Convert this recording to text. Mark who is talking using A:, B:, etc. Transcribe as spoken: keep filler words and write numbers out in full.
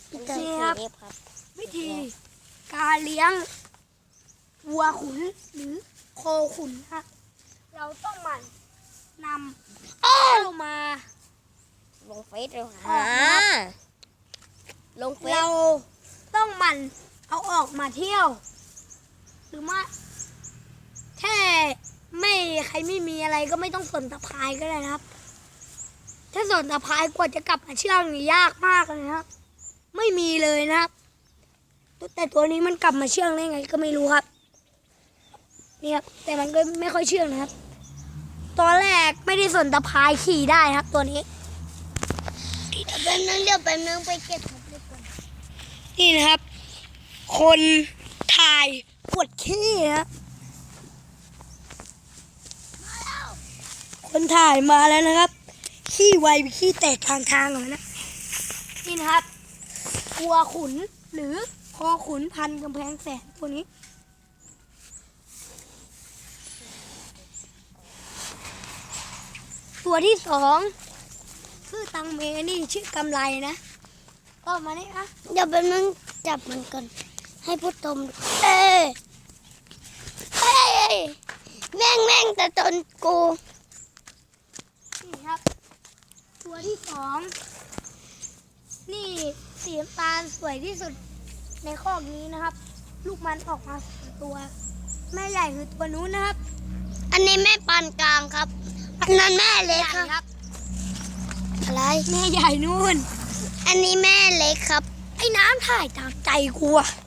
A: นี่ครับวิธีการเลี้ยงวัวขุนหรือโคขุนครับเราต้องหมั่นนำเข้ามา
B: ลงเฟซเลย
A: อ
B: ค่ะ
A: อกนะครับ
B: ลงเฟซ
A: เราต้องหมั่นเอาออกมาเที่ยว หรือว่าแค่ไม่ใครไม่มีอะไรก็ไม่ต้องสนตะพายก็ได้นะครับ ถ้าสนตะพายกว่าจะกลับมาเชื่องนี่ยากมากเลยนะครับ ไม่มีเลยนะครับ แต่ตัวนี้มันกลับมาเชื่องได้ไงก็ไม่รู้ครับนี่ครับแต่มันก็ไม่ค่อยเชื่องนะครับตอนแรกไม่ได้สนตะพายขี่ได้ครับตัวนี้
B: แป๊บนึงเดี๋ยวแป๊บนึงไปเก็บของเล็กก่อน
A: นี่นะครับ คนถ่ายปวดขี้นะคนถ่ายมาแล้วนะครับ ขี้ไวไปขี้แตกทางทางเลยนะนี่นะครับวัวขุนหรือคอขุนพันกำแพงแสนตัวนี้ ตัวที่สองคือตังเมนี่ชื่อกำไรนะก็มานี่นะ
B: เดี๋ยวแป๊บนึงจับมันก่อนให้พุทธมเอ้ยเอ้ยแม่งแม่งแต่ตนกู
A: นี่ครับ ตัวที่สองนี่สีน้ำตาลสวยที่สุดในคอกนี้นะครับ ลูกมันออกมาสองตัว แม่ใหญ่คือตัวนู้นนะครับ
B: อันนี้แม่ปานกลางครับอันนั้นแม่เล็ก
A: ใหญ่
B: ครับอะไร
A: แม่ใหญ่นู่น
B: อันนี้แม่เล็กครับ
A: ไอ้น้ำถ่ายตามใจกูอะ